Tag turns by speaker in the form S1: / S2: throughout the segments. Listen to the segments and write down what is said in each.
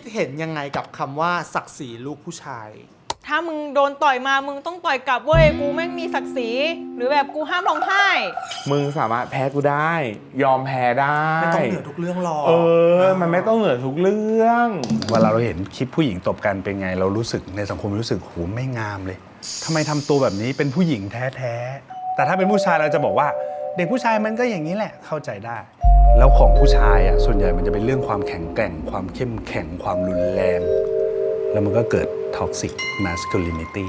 S1: เห็นยังไงกับคำว่าศักดิ์ศรีลูกผู้ชาย
S2: ถ้ามึงโดนต่อยมามึงต้องต่อยกลับเว้ยกูแม่งมีศักดิ์ศรีหรือแบบกูห้ามร้องไห้
S3: มึงสามารถแพ้กูได้ ยอมแพ้ได้
S1: ไม่ต้องเหนือทุกเรื่องหรอก
S3: มันไม่ต้องเหนือทุกเรื่อง
S4: เวลาเราเห็นคลิปผู้หญิงตบกันเป็นไงเรารู้สึกในสังคมรู้สึกโหไม่งามเลยทำไมทำตัวแบบนี้เป็นผู้หญิงแท้ๆแต่ถ้าเป็นผู้ชายเราจะบอกว่าเด็กผู้ชายมันก็อย่างนี้แหละเข้าใจได้แล้วของผู้ชายอ่ะส่วนใหญ่มันจะเป็นเรื่องความแข็งแกร่งความเข้มแข็งความรุนแรงแล้วมันก็เกิด toxic masculinity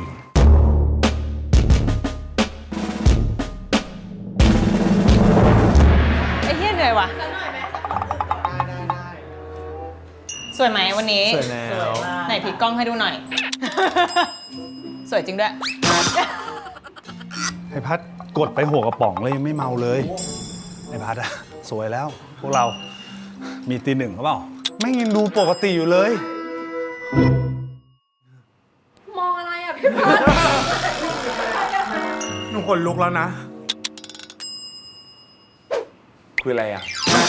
S2: ไอ้เหี้ยเหนื่อยว่ะสวยไหมวันนี้
S1: สวยแล้ว
S2: ไหนพลิกกล้องให้ดูหน่อย สวยจริงด้วย
S4: ไอ้พัดกดไปหัวกระป๋องเลยยังไม่เมาเลยไอ้พัดอะสวยแล้วพวกเรามีตีหนึ่งเขาเปล่าไม่ยินดูปกติอยู่เลย
S5: มองอะไรอ่ะพี่พัด
S1: หนูขนลุกแล้วนะ
S3: คุยอะไรอ่ะ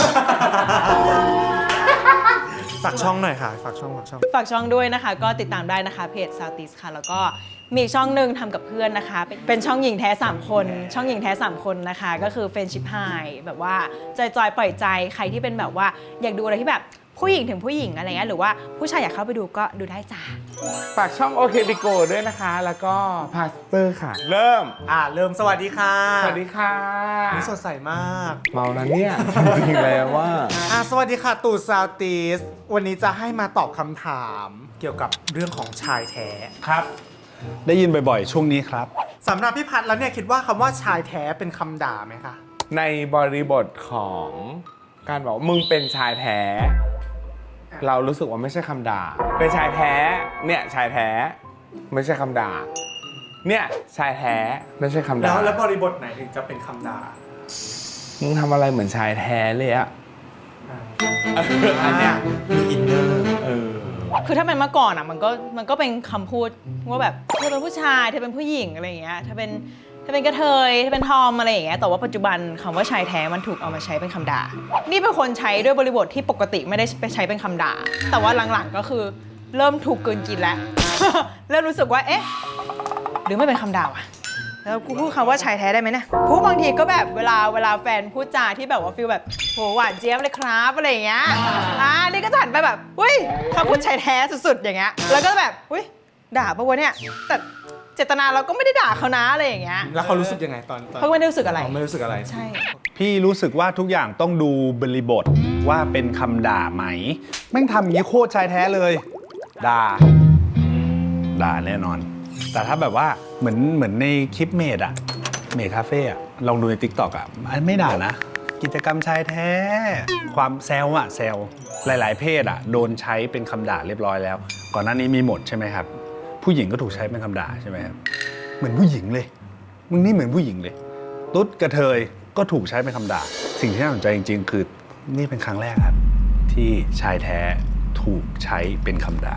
S1: ฝากช่องหน่อยค่ะฝากช่อง
S2: ฝากช่องด้วยนะคะก็ติดตามได้นะคะเพจ Southeast ค่ะแล้วก็มีอีกช่องหนึ่งทำกับเพื่อนนะคะเป็นช่องหญิงแท้3คนช่องหญิงแท้3คนนะคะก็คือ Friendship High แบบว่าจอยๆปล่อยใจใครที่เป็นแบบว่าอยากดูอะไรที่แบบผู้หญิงถึงผู้หญิงอะไรเงี้ยหรือว่าผู้ชายอยากเข้าไปดูก็ดูได้จ้า
S3: ฝากช่องโอเคบิโกด้วยนะคะ แล้วก็พาสเตอร์ค่ะ เริ่ม
S1: เริ่มสวัสดีค่ะ
S3: สวัสดีค่ะ
S1: นี่สดใสมาก
S3: เมาแล้วเนี่ย จริงๆแล้วว่า
S1: สวัสดีค่ะตู่ซาวติสวันนี้จะให้มาตอบคำถามเกี่ยวกับเรื่องของชายแท้
S4: ครับได้ยินบ่อยๆช่วงนี้ครับ
S1: สำหรับพี่พัดแล้วเนี่ยคิดว่าคำว่าชายแท้เป็นคำด่าไหมคะ
S3: ในบริบทของการบอกว่ามึงเป็นชายแท้ เรารู้สึกว่าไม่ใช่คำด่า เป็นชายแท้เนี่ยชายแท้ไม่ใช่คำด่าเนี่ยชายแท้ไม่ใช่คำด่า
S1: แล้วบริบทไหนถึงจะเป็นคำด่า
S3: มึงทำอะไรเหมือนชายแท้เลยอะ
S1: อันเนี้ยมีอินเนอร์
S2: คือถ้าเป็นเมื่อก่อนอ่ะมันก็เป็นคำพูดว่าแบบเธอเป็นผู้ชายเธอเป็นผู้หญิงอะไรอย่างเงี้ยเธอเป็นกระเทยเธอเป็นทอมอะไรอย่างเงี้ยแต่ว่าปัจจุบันคำว่าชายแท้มันถูกเอามาใช้เป็นคำด่านี่เป็นคนใช้ด้วยบริบทที่ปกติไม่ได้ไปใช้เป็นคำด่าแต่ว่าหลังๆก็คือเริ่มถูกกลืนกินแล้ว เริ่มรู้สึกว่าเอ๊ะหรือไม่เป็นคำด่าวะแล้วกูพูดคำว่าชายแท้ได้ไหมเนี่ยพูดบางทีก็แบบเวลาแฟนพูดจาที่แบบว่าฟีลแบบโหหวานเจี๊ยบเลยครับอะไรอย่างเงี้ยนี่ก็จะหันไปแบบอุ้ยเขาพูดชายแท้สุดๆอย่างเงี้ยแล้วก็แบบอุ้ยด่าปะวะเนี่ยแต่เจตนาเราก็ไม่ได้ด่าเขานะอะไรอย่างเงี้ย
S1: แล้วเขารู้สึกยังไงตอน
S2: เขาไม่ได้รู้สึกอะไร
S1: ไม่รู้สึกอะไร
S2: ใช่
S4: พี่รู้สึกว่าทุกอย่างต้องดูบริบทว่าเป็นคำด่าไหมแม่งทำอย่างนี้โคตรชายแท้เลยด่าแน่นอนแต่ถ้าแบบว่าเหมือนในคลิปเมดคาเฟ่ลองดูใน TikTok ไม่ด่านะกิจกรรมชายแท้ความแซวหลายๆเพศโดนใช้เป็นคำด่าเรียบร้อยแล้วก่อนหน้านี้มีหมดใช่ไหมครับผู้หญิงก็ถูกใช้เป็นคำด่าใช่ไหมครับเหมือนผู้หญิงเลยมึงนี่เหมือนผู้หญิงเลยตุ๊ดกระเทยก็ถูกใช้เป็นคำด่าสิ่งที่น่าสนใจจริงๆคือนี่เป็นครั้งแรกครับที่ชายแท้ถูกใช้เป็นคำด่า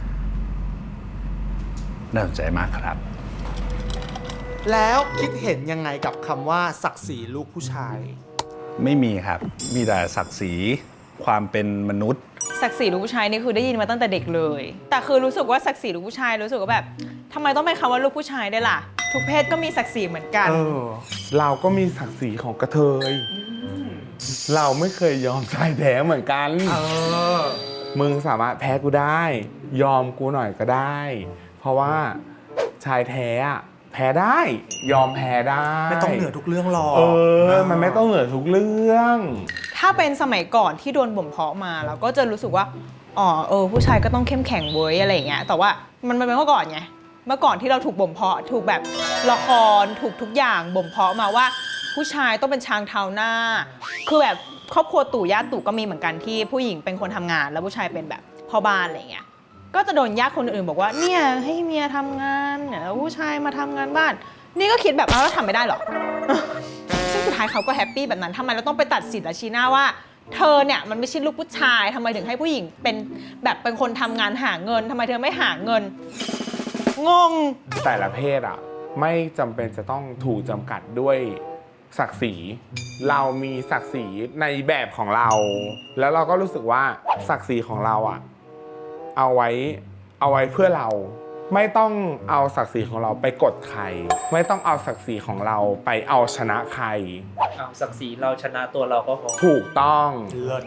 S4: น่าสนใจมากครับ
S1: แล้วคิดเห็นยังไงกับคำว่าศักดิ์ศรีลูกผู้ชาย
S4: ไม่มีครับมีแต่ศักดิ์ศรีความเป็นมนุษย์
S2: ศักดิ์ศรีลูกผู้ชายนี่คือได้ยินมาตั้งแต่เด็กเลยแต่คือรู้สึกว่าศักดิ์ศรีลูกผู้ชายรู้สึกว่าแบบทำไมต้องเป็นคำว่าลูกผู้ชายได้วยล่ะทุกเพศก็มีศักดิ์ศรีเหมือนกัน
S3: เราก็มีศักดิ์ศรีของกระเทยเราไม่เคยยอมชายแท้เหมือนกันมึงสามารถแพ้กูได้ ยอมกูหน่อยก็ได้ เพราะว่าชายแท้แพ้ได้ยอมแพ้ได้
S1: ไม่ต้องเหนือทุกเรื่องหรอก
S3: มันไม่ต้องเหนือทุกเรื่อง
S2: ถ้าเป็นสมัยก่อนที่โดนบ่มเพาะมาเราก็จะรู้สึกว่าผู้ชายก็ต้องเข้มแข็งเว้ยอะไรอย่างเงี้ยแต่ว่ามันเป็นเมื่อก่อนไงเมื่อก่อนที่เราถูกบ่มเพาะถูกแบบละครถูกทุกอย่างบ่มเพาะมาว่าผู้ชายต้องเป็นช้างเท้าหน้าคือแบบครอบครัวตู่ย่าตู่ก็มีเหมือนกันที่ผู้หญิงเป็นคนทำงานแล้วผู้ชายเป็นแบบพ่อบ้านอะไรเงี้ยก็จะโดนญาติคนอื่นบอกว่าเนี่ยให้เมียทำงานเนี่ยผู้ชายมาทำงานบ้านนี่ก็คิดแบบแล้วทำไม่ได้หรอ ซึ่งสุดท้ายเขาก็แฮปปี้แบบนั้นทำไมเราต้องไปตัดสินและชี้หน้าว่าเธอเนี่ยมันไม่ใช่ลูกผู้ชายทำไมถึงให้ผู้หญิงเป็นแบบเป็นคนทำงานหาเงินทำไมเธอไม่หาเงินงง
S3: แต่ละเพศไม่จำเป็นจะต้องถูกจำกัดด้วยศักดิ์ศรีเรามีศักดิ์ศรีในแบบของเราแล้วเราก็รู้สึกว่าศักดิ์ศรีของเราเอาไว้เพื่อเรา ไม่ต้องเอาศักดิ์ศรีของเราไปกดใคร ไม่ต้องเอาศักดิ์ศรีของเราไปเอาชนะใคร
S6: เอาศักดิ์ศรีเราชนะตัวเราก็พอ
S3: ถูกต้อง
S1: เลิศ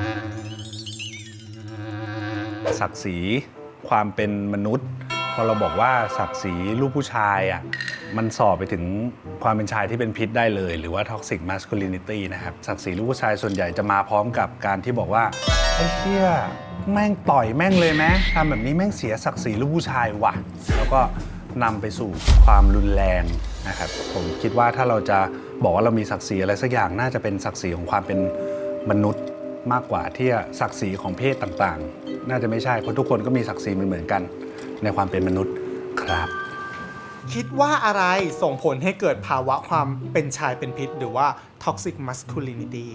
S4: ศักดิ์ศรีความเป็นมนุษย์ พอเราบอกว่าศักดิ์ศรีลูกผู้ชายอ่ะมันส่อไปถึงความเป็นชายที่เป็นพิษได้เลย หรือว่า toxic masculinity นะครับศักดิ์ศรีลูกผู้ชายส่วนใหญ่จะมาพร้อมกับการที่บอกว่าไอ้เหี้ยแม่งต่อยแม่งเลยไหมทำแบบนี้แม่งเสียศักดิ์ศรีลูกผู้ชายว่ะแล้วก็นำไปสู่ความรุนแรงนะครับผมคิดว่าถ้าเราจะบอกว่าเรามีศักดิ์ศรีอะไรสักอย่างน่าจะเป็นศักดิ์ศรีของความเป็นมนุษย์มากกว่าที่ศักดิ์ศรีของเพศต่างๆน่าจะไม่ใช่เพราะทุกคนก็มีศักดิ์ศรีเหมือนกันในความเป็นมนุษย์ครับ
S1: คิดว่าอะไรส่งผลให้เกิดภาวะความเป็นชายเป็นพิษหรือว่า toxic masculinity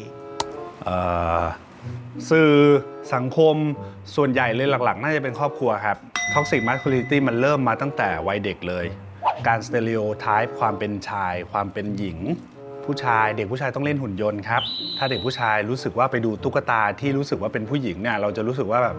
S4: สื่อสังคมส่วนใหญ่เลยหลักๆ น่าจะเป็นครอบครัวครับ toxic masculinity มันเริ่มมาตั้งแต่วัยเด็กเลย การ stereotype ความเป็นชายความเป็นหญิงผู้ชายเด็กผู้ชายต้องเล่นหุ่นยนต์ครับถ้าเด็กผู้ชายรู้สึกว่าไปดูตุ๊กตาที่รู้สึกว่าเป็นผู้หญิงเนี่ยเราจะรู้สึกว่าแบบ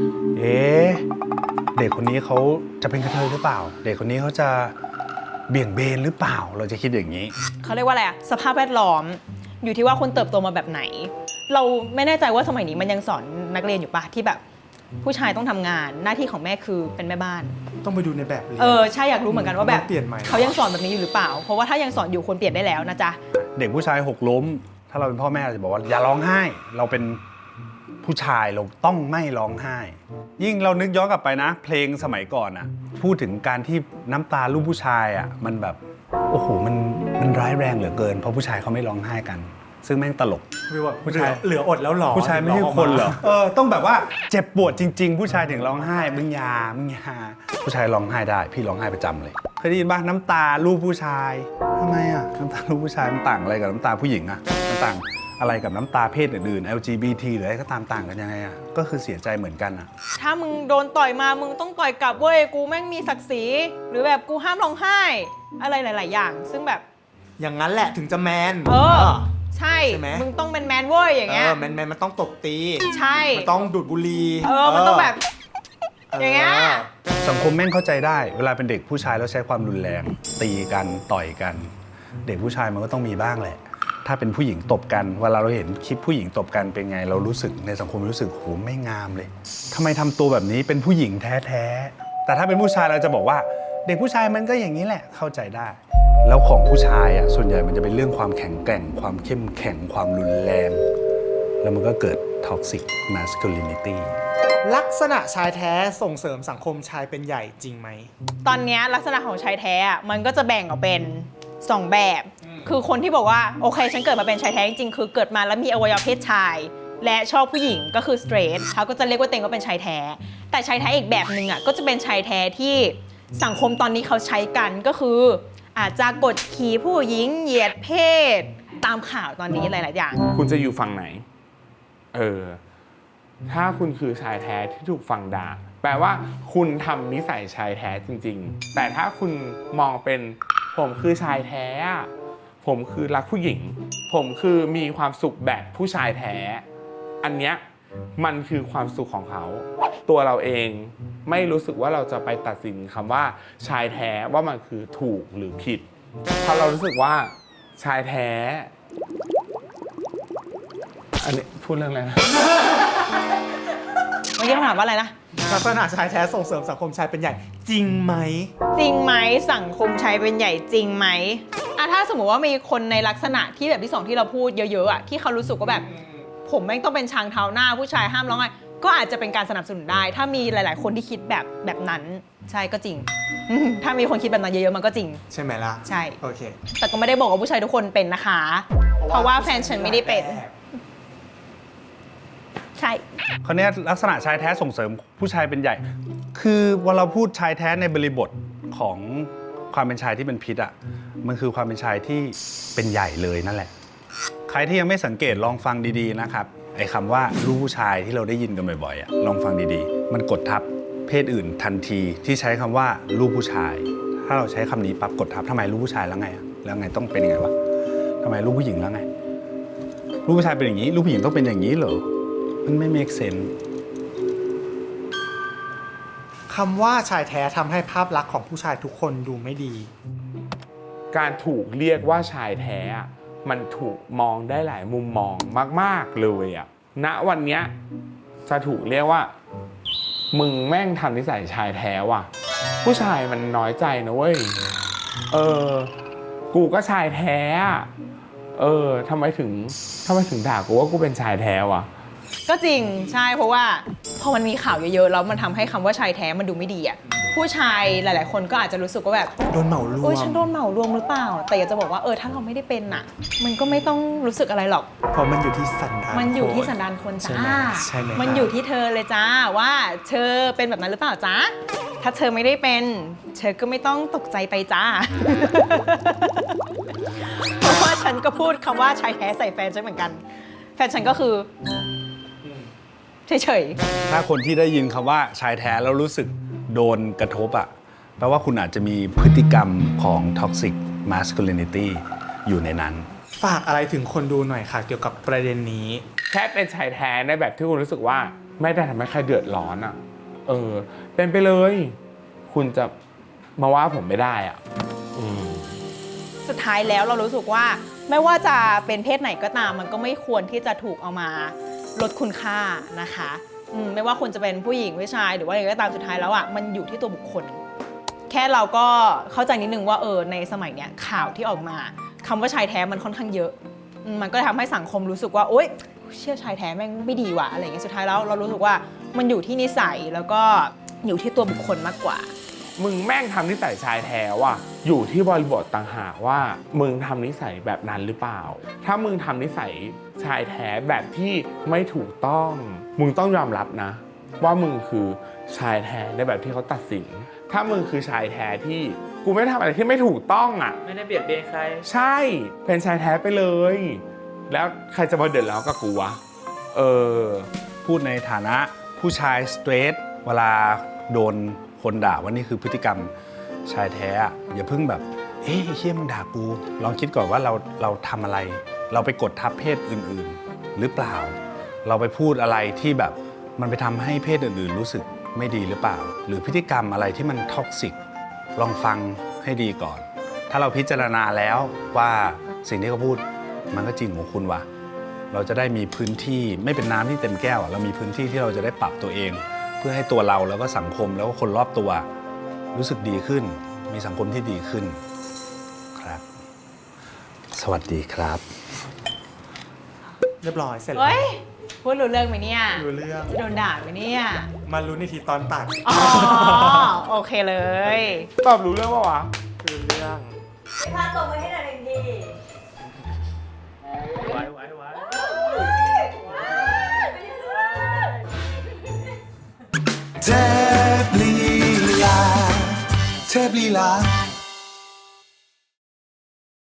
S4: เด็กคนนี้เขาจะเป็นกระเทยหรือเปล่าเด็กคนนี้เขาจะเบี่ยงเบนหรือเปล่าเราจะคิดอย่างนี้
S2: เขาเรียกว่าอะไรอะสภาพแวดล้อมอยู่ที่ว่าคนเติบโตมาแบบไหน เราไม่แน่ใจว่าสมัยนี้มันยังสอนนักเรียนอยู่ปะที่แบบผู้ชายต้องทำงานหน้าที่ของแม่คือเป็นแม่บ้าน
S1: ต้องไปดูในแบบเรียน
S2: ใช่อยากรู้เหมือนกันว่าแบบ
S1: เปลี่ยนไหม
S2: เขายังสอนแบบนี้อยู่หรือเปล่าเพราะว่าถ้ายังสอนอยู่ควรเปลี่ยนได้แล้วนะจ๊ะ
S4: เด็กผู้ชายหกล้มถ้าเราเป็นพ่อแม่เราจะบอกว่าอย่าร้องไห้เราเป็นผู้ชายเราต้องไม่ร้องไห้ยิ่งเรานึกย้อนกลับไปนะเพลงสมัยก่อนอะพูดถึงการที่น้ำตาลูกผู้ชายอะมันแบบโอ้โหมันร้ายแรงเหลือเกินเพราะผู้ชายเขาไม่ร้องไห้กันซึ่งแม่งตลก
S1: ผู้ชายเหลืออดแล้วหรอ
S4: ผู้ชายไม่ใช่คนเหรอต้องแบบว่าเจ็บปวดจริงๆผู้ชายถึงร้องไห้มึงยาผู้ชายร้องไห้ได้พี่ร้องไห้ประจำเลยเคยได้ยินป่ะน้ำตาลูกผู้ชายทำไมอ่ะน้ำตาลูกผู้ชายมันต่างอะไรกับน้ำตาผู้หญิงอ่ะมันต่างอะไรกับน้ำตาเพศอื่นๆ LGBT หรืออะไรก็ตามต่างกันยังไงอ่ะก็คือเสียใจเหมือนกันอ่ะ
S2: ถ้ามึงโดนต่อยมามึงต้องต่อยกลับเว้ยกูแม่งมีศักดิ์ศรีหรือแบบกูห้ามร้องไห้อะไรหลายๆอย่างซึ่งแบบ
S1: อย่างนั้นแหละถึงจะแมน
S2: ใช่มึงต้องเป็นแมนเว้ยอย่างเงี้ย
S1: แมนมันต้องตบตี
S2: ใช่
S1: มันต้องดูดบุหรี่
S2: มันต้องแบบอย่างเงี้ย
S4: สังคมแม่งเข้าใจได้เวลาเป็นเด็กผู้ชายแล้วใช้ความรุนแรงตีกันต่อยกันเด็กผู้ชายมันก็ต้องมีบ้างแหละถ้าเป็นผู้หญิงตบกันเวลาเราเห็นคลิปผู้หญิงตบกันเป็นไงเรารู้สึกในสังคมรู้สึกโหไม่งามเลยทำไมทำตัวแบบนี้เป็นผู้หญิงแท้ๆแต่ถ้าเป็นผู้ชายเราจะบอกว่าเด็กผู้ชายมันก็อย่างนี้แหละเข้าใจได้แล้วของผู้ชายอ่ะส่วนใหญ่มันจะเป็นเรื่องความแข็งแกร่งความเข้มแข็งความรุนแรงแล้วมันก็เกิด toxic masculinity
S1: ลักษณะชายแท้ส่งเสริมสังคมชายเป็นใหญ่จริงไหม
S2: ตอนนี้ลักษณะของชายแท้มันก็จะแบ่งออกเป็น2แบบคือคนที่บอกว่าโอเคฉันเกิดมาเป็นชายแท้จริงๆคือเกิดมาแล้วมีอวัยวะเพศชายและชอบผู้หญิงก็คือ straight เขาก็จะเรียกว่าตัวเองว่าเป็นชายแท้แต่ชายแท้อีกแบบนึงก็จะเป็นชายแท้ที่สังคมตอนนี้เขาใช้กันก็คืออาจจะกดขี่ผู้หญิงเหยียดเพศตามข่าวตอนนี้หลายๆอย่าง
S3: คุณจะอยู่ฝั่งไหนถ้าคุณคือชายแท้ที่ถูกฝั่งด่าแปลว่าคุณทำนิสัยชายแท้จริงๆแต่ถ้าคุณมองเป็นผมคือชายแท้ผมคือรักผู้หญิงผมคือมีความสุขแบบผู้ชายแท้อันเนี้ยมันคือความสุขของเขาตัวเราเองไม่รู้สึกว่าเราจะไปตัดสินคำว่าชายแท้ว่ามันคือถูกหรือผิดเพราะเรารู้สึกว่าชายแท้อันนี้พูดเรื่องอะไรนะ
S2: เมื่อกี้คำถามว่าอะไรนะ
S1: ลักษณะชายแท้ส่งเสริมสังคมชายเป็นใหญ่จริงไหม
S2: สังคมชายเป็นใหญ่จริงไหมถ้าสมมติว่ามีคนในลักษณะที่แบบที่2ที่เราพูดเยอะๆที่เขารู้สึกว่าแบบผมแม่งต้องเป็นช้างเท้าหน้าผู้ชายห้ามร้องไห้ก็อาจจะเป็นการสนับสนุนได้ถ้ามีหลายๆคนที่คิดแบบนั้นใช่ก็จริงถ้ามีคนคิดแบบนั้นเยอะๆมันก็จริง
S1: ใช่ไหมล่ะ
S2: ใช่
S1: โอเค
S2: แต่ก็ไม่ได้บอกว่าผู้ชายทุกคนเป็นนะคะเพราะว่าแฟนฉันไม่ได้เป็นใช่
S4: คราวนี้ลักษณะชายแท้ส่งเสริมผู้ชายเป็นใหญ่คือเวลาเราพูดชายแท้ในบริบทของความเป็นชายที่เป็นพิษมันคือความเป็นชายที่เป็นใหญ่เลยนั่นแหละใครที่ยังไม่สังเกตลองฟังดีๆนะครับไอ้คำว่าลูกผู้ชายที่เราได้ยินกันบ่อยๆลองฟังดีๆมันกดทับเพศอื่นทันทีที่ใช้คำว่าลูกผู้ชายถ้าเราใช้คำนี้ปั๊บกดทับทำไมลูกผู้ชายแล้วไงแล้วไงต้องเป็นยังไงวะทำไมลูกผู้หญิงแล้วไงลูกผู้ชายเป็นอย่างนี้ลูกผู้หญิงต้องเป็นอย่างนี้เหรอมันไม่ make sense
S1: คำว่าชายแท้ทำให้ภาพลักษณ์ของผู้ชายทุกคนดูไม่ดี
S3: การถูกเรียกว่าชายแท้อะมันถูกมองได้หลายมุมมองมากๆเลยอะณวันเนี้ยจะถูกเรียกว่ามึงแม่งทำนิสัยชายแท้ว่ะ ผู้ชายมันน้อยใจนะเว้ยกูก็ชายแท้อะทำไมถึงด่ากูว่ากูเป็นชายแท้วะ
S2: ก็จริงใช่เพราะว่าพอมันมีข่าวเยอะๆแล้วมันทำให้คำว่าชายแท้มันดูไม่ดีอ่ะผู้ชายหลายๆคนก็อาจจะรู้สึกว่าแบบ
S1: โดนเหมารว
S2: โอ้ย
S1: ม
S2: ฉันโดนเหมารวมหรือเปล่า แต่อยากจะบอกว่าถ้าเราไม่ได้เป็นอ่ะ มันก็ไม่ต้องรู้สึกอะไรหรอก
S1: เพราะมันอยู่ที่สันดาน
S2: มันอยู่ที่
S1: ค
S2: สันดานคน
S1: ใช่
S2: จ้า
S1: ไหมใช่ไหม
S2: มันอยู่ที่เธอเลยจ้าว่าเธอเป็นแบบนั้นหรือเปล่าจ้าถ้าเธอไม่ได้เป็นเธอก็ไม่ต้องตกใจไปจ้า เพราะว่าฉันก็พูดคำว่าชายแท้ใส่แฟนฉันเหมือนกัน แฟนฉันก็คือเฉย
S4: ถ้าคนที่ได้ยินคำว่าชายแท้แล้วรู้สึกโดนกระทบอะแปลว่าคุณอาจจะมีพฤติกรรมของ toxic masculinity อยู่ในนั้น
S1: ฝากอะไรถึงคนดูหน่อยค่ะ เกี่ยวกับประเด็นนี้
S3: แค่เป็นชายแท้ในแบบที่คุณรู้สึกว่าไม่ได้ทำให้ใครเดือดร้อนอ่ะเป็นไปเลย คุณจะมาว่าผมไม่ได้อ่ะ
S2: สุดท้ายแล้วเรารู้สึกว่าไม่ว่าจะเป็นเพศไหนก็ตามมันก็ไม่ควรที่จะถูกเอามาลดคุณค่านะคะไม่ว่าคุณจะเป็นผู้หญิงผู้ชายหรือว่าอะไรก็ตามสุดท้ายแล้วอ่ะมันอยู่ที่ตัวบุคคล แค่เราก็เข้าใจนิดนึงว่าในสมัยเนี้ยข่าวที่ออกมาคำว่าชายแท้มันค่อนข้างเยอะมันก็ทำให้สังคมรู้สึกว่าโอ๊ยเชื่อชายแท้แม่งไม่ดีว่ะอะไรอย่างเงี้ยสุดท้ายแล้วเรารู้สึกว่ามันอยู่ที่นิสัยแล้วก็อยู่ที่ตัวบุคคลมากกว่า
S3: มึงแม่งทำนิสัยชายแท้ว่ะอยู่ที่บริบทต่างหากว่ามึงทำนิสัยแบบนั้นหรือเปล่า ถ้ามึงทำนิสัยชายแท้แบบที่ไม่ถูกต้องมึงต้องยอมรับนะ ว่ามึงคือชายแท้ในแบบที่เขาตัดสิน ถ้ามึงคือชายแท้ที่กูไม่ทำอะไรที่ไม่ถูกต้องอ่ะ
S6: ไม่ได้เบียดเบียนใคร
S3: ใช่ เป็นชายแท้ไปเลย แล้วใครจะมาเดือดร้อนกับกูวะ
S4: พูดในฐานะผู้ชายสเตรทเวลาโดนคนด่าว่านี่คือพฤติกรรมชายแท้อะอย่าเพิ่งแบบเฮ้ยเฮี้ยมึงด่ากูลองคิดก่อนว่าเราทำอะไร เราไปกดทับเพศอื่นๆ หรือเปล่า เราไปพูดอะไรที่แบบมันไปทำให้เพศอื่นๆรู้สึกไม่ดีหรือเปล่า หรือพฤติกรรมอะไรที่มันท็อกซิกลองฟังให้ดีก่อน ถ้าเราพิจารณาแล้วว่าสิ่งที่เขาพูดมันก็จริงของคุณว่ะเราจะได้มีพื้นที่ไม่เป็นน้ำที่เต็มแก้วเรามีพื้นที่ที่เราจะได้ปรับตัวเอง เพื่อให้ตัวเราแล้วก็สังคมแล้วก็คนรอบตัวรู้สึกดีขึ้นมีสังคมที่ดีขึ้นครับสวัสดีครับ
S1: เรียบร้อยเสร็จแล้ว
S2: เฮ้ยพูดรู้เรื่องไหมเนี่ย
S1: รู้เรื่อง
S2: จะโดนด่าไหมเนี่ย
S1: มารู้ในทีตอนตัด
S2: อ๋อโอเคเลย
S3: ตอบรู้เรื่องปะวะ
S1: รู้เรื่อง
S5: พาตรงไปให้หน่อยหนึ่งที
S6: ไว้
S7: เทพลีลา